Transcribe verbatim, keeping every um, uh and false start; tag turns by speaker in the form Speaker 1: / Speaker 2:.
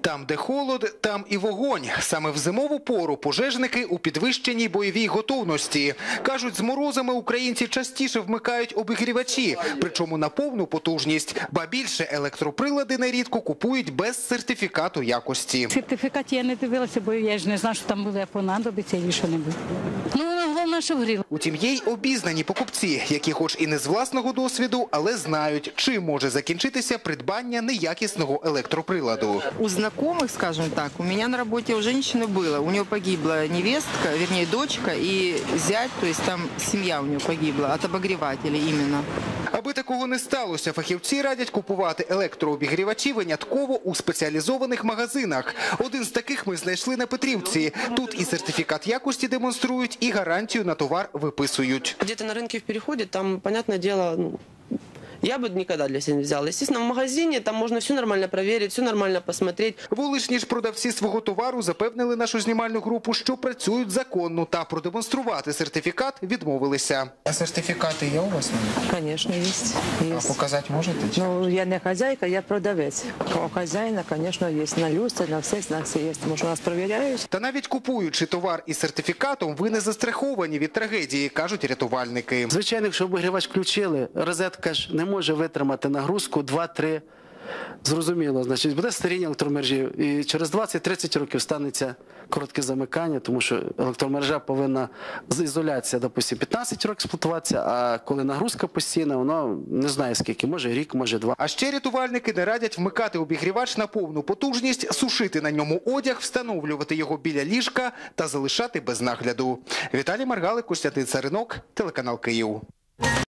Speaker 1: Там, де холод, там і вогонь. Саме в зимову пору пожежники у підвищеній бойовій готовності. Кажуть, з морозами українці частіше вмикають обігрівачі, причому на повну потужність. Ба більше, електроприлади нерідко купують без сертифікату якості.
Speaker 2: Сертифікат я не дивилася, бо я ж не знаю, що там буде понадобиться і що не буде. Ну, головне, що гріло.
Speaker 1: Утім, є й обізнані покупці, які хоч і не з власного досвіду, але знають, чим може закінчитися придбання неякісного електроприладу.
Speaker 3: У знакомых, скажем так, у меня на работе у женщины было. У нее погибла невестка, вернее, дочка и зять, то есть там семья у нее погибла от обогревателя именно.
Speaker 1: Аби такого не сталося, фахівці радять купувати електрообігрівачі винятково у спеціалізованих магазинах. Один з таких ми знайшли на Петрівці. Тут і сертифікат якості демонструють, і гарантію на товар виписують.
Speaker 4: Где-то на рынке в переходе, там, понятное дело, ну, я бы никогда для себя не взяла. Естественно, в магазине там можно все нормально проверить, все нормально посмотреть.
Speaker 1: Вуличні ж продавці свого товару запевнили нашу знімальну групу, що працюють законно, та продемонструвати сертифікат відмовилися.
Speaker 5: А сертифікати є у вас?
Speaker 6: Конечно, есть.
Speaker 5: А
Speaker 6: есть.
Speaker 5: показати можете?
Speaker 6: Ну, я не хозяйка, я продавець. У хозяїна, конечно, есть. На люстрі, на всіх знаках є. Може, нас перевіряють.
Speaker 1: Та навіть купуючи товар із сертифікатом, ви не застраховані від трагедії, кажуть рятувальники.
Speaker 7: Звичайно, якщо обігрівач включили, розетка ж не може витримати нагрузку два-три. Зрозуміло, значить, буде старіння електромережі. І через двадцять-тридцять років станеться коротке замикання, тому що електромережа повинна з ізоляція, допустим, п'ятнадцять років експлуатуватися, а коли нагрузка постійна, воно не знає скільки, може рік, може два.
Speaker 1: А ще рятувальники не радять вмикати обігрівач на повну потужність, сушити на ньому одяг, встановлювати його біля ліжка та залишати без нагляду. Віталій Маргалик, Костянтин Царинок, телеканал Київ.